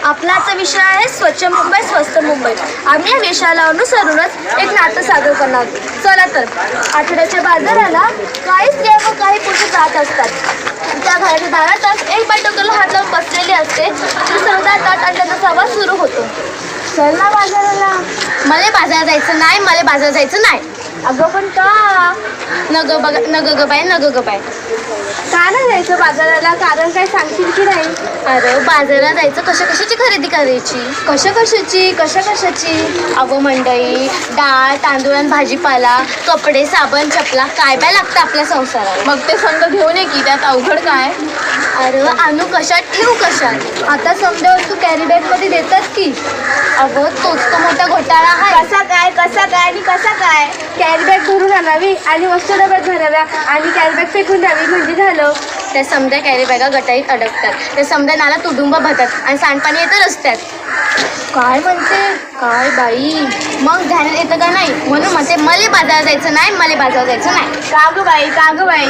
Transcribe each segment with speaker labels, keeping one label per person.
Speaker 1: आपला आजचा विषय आहे स्वच्छ मुंबई स्वस्त मुंबई. आम्ही या विषयाला अनुसरूनच एक नाटक सादर करणार आहोत. चला तर. आठवड्याच्या बाजाराला काही स्त्रिया व काही पुरुष जात असतात. त्या घराच्या दारातच एक बाई डोक्याला हात लावून बसलेली असते. ती जातात आणि त्यांचा संवाद सुरू होतो. चल ना बाजाराला. मला बाजारात जायचं नाही, मला बाजारात जायचं नाही. अगं पण का? नग ग बाय. का नाही जायचं बाजाराला? कारण काय सांगशील की नाही? अरे बाजारात जायचं कशाची खरेदी करायची? कशाची? अगं मंडई, डाळ तांदूळ आणि भाजीपाला, कपडे साबण चपला काय लागतं आपल्या संसाराला.
Speaker 2: मग ते संघ घेऊन ये की, त्यात अवघड काय?
Speaker 1: अरे आणू कशात ठेवू कशात? आता समजा वस्तू कॅरी बॅग मध्ये देतात की. अगं तोच तो मोठा घोटाळा आहे. कसा काय? कॅरी बॅग भरून आणावी आणि वस्तू डब्यात भराव्या आणि कॅरी बॅग फेकून द्यावी म्हणजे झालं. त्या समजा कॅरी बॅगा गटारीत अडकतात. त्या समजा नाला तुडुंब भरतात आणि सांडपाणी येतं रस्त्यात. काय म्हणते? काय बाई, मग ध्यानात येतं का नाही? म्हणून म्हणते मला बाजारात जायचं नाही. का गं बाई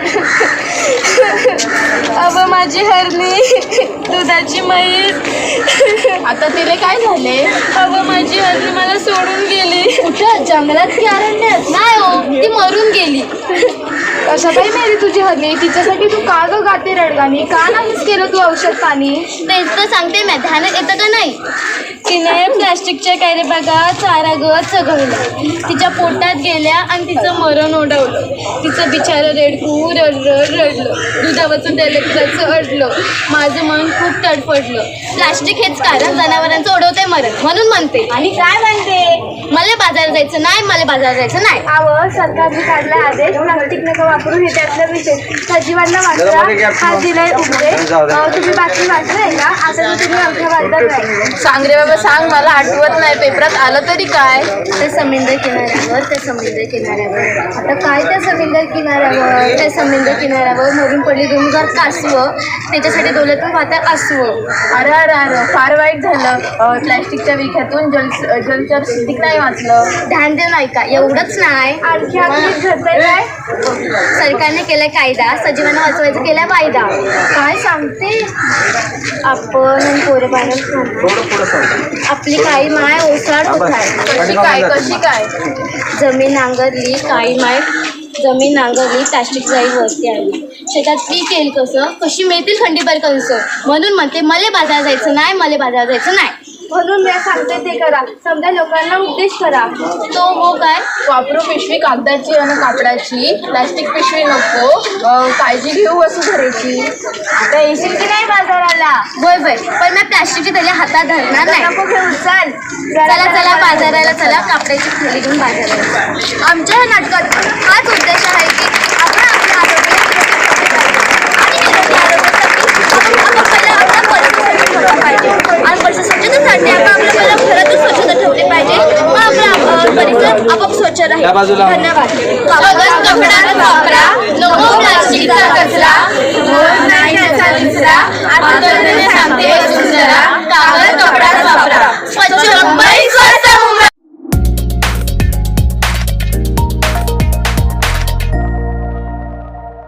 Speaker 1: अगं माझी हरणी, दुधाची म्हैस.
Speaker 2: आता तिला काय झाले?
Speaker 1: अगं माझी हरणी मला सोडून गेली. कुठं? जंगलात की अरण्यात? नाही हो, ती मरून गेली.
Speaker 2: कशा बाई मेली तुझी हरणी? तिच्यासाठी तू का ग गाते रडगाणी? का नाहीच केलं तू औषध पाणी?
Speaker 1: तेच तर सांगते मी, ध्यानात येतं का नाही? तिने प्लॅस्टिकच्या कॅरी बॅगा चारा गवत चघळलं, तिच्या पोटात गेल्या आणि तिचं मरण ओढवलं. तिचं बिचारं रेडकू रडलं, दुधावरचं तेलकचं अडलं. माझं मन खूप तडफडलं. प्लॅस्टिक हेच कारण जनावरांचं ओढवते मरण, म्हणून म्हणते. आणि काय म्हणते? मला बाजारात जायचं नाही. अहो, सरकारने काढला आदेश प्लास्टिक नका वापरून, हे त्यातलं विषय. सजीवांना वाचला हा दिलाय उपदेश. तुम्ही बातमी वाचलाय का? आता तुम्ही आमच्या बाजारात नाही.
Speaker 2: सांग रे बाबा सांग, मला आठवत नाही. पेपरात आलं तरी काय?
Speaker 1: ते समुद्र किनाऱ्यावर आता काय त्या समुद्र किनाऱ्यावर मरून पडली 2000 कासवं. त्याच्यासाठी डोळ्यातून वाहतात आसवं.
Speaker 2: अरे फार वाईट झालं. प्लॅस्टिकच्या विख्यातून जलचर सुद्धा नाही वाचलं.
Speaker 1: ध्यान देऊ नाही का? एवढंच नाही, आणखी काय? सरकारने केलाय कायदा, सजीवांना वाचवायचं केलाय वायदा. काय सांगते? आपण आपली काही माय ओसाड होत आहे.
Speaker 2: कशी काय?
Speaker 1: जमीन नांगरली प्लॅस्टिक जाई वरती आली. शेतात पीक येईल कसं? कशी मिळतील खंडीभर कंस? म्हणून म्हणते मला बाजारात जायचं नाही. म्हणून मी सांगते ते करा. समजा लोकांना उपदेश करा. तो हो काय?
Speaker 2: वापरू पिशवी कागदाची आणि कापडाची, प्लॅस्टिक पिशवी नको. काळजी घेऊ वस्तू धरायची.
Speaker 1: आता येशील की नाही बाजाराला? होय, पण मी प्लॅस्टिकची थैली हातात धरणार नाही. नको घेऊ, चला बाजाराला चला. कापडाची थैली घेऊन बाजाराला. आमच्या ह्या नाटकात हाच उद्देश आहे की आपण आपल्या आरोग्य आणि परिसर स्वच्छतेसाठी आपण आपल्या घरातून स्वच्छता ठेवली पाहिजे. मग आपला परिसर आपोआप स्वच्छ राहील. धन्यवाद.
Speaker 2: कागद कपडा वापरा, नको प्लास्टिकचा कचरा. नाही त्याचा विसरा, आंदोलने सांगते वसुंधरा. कागद कपडा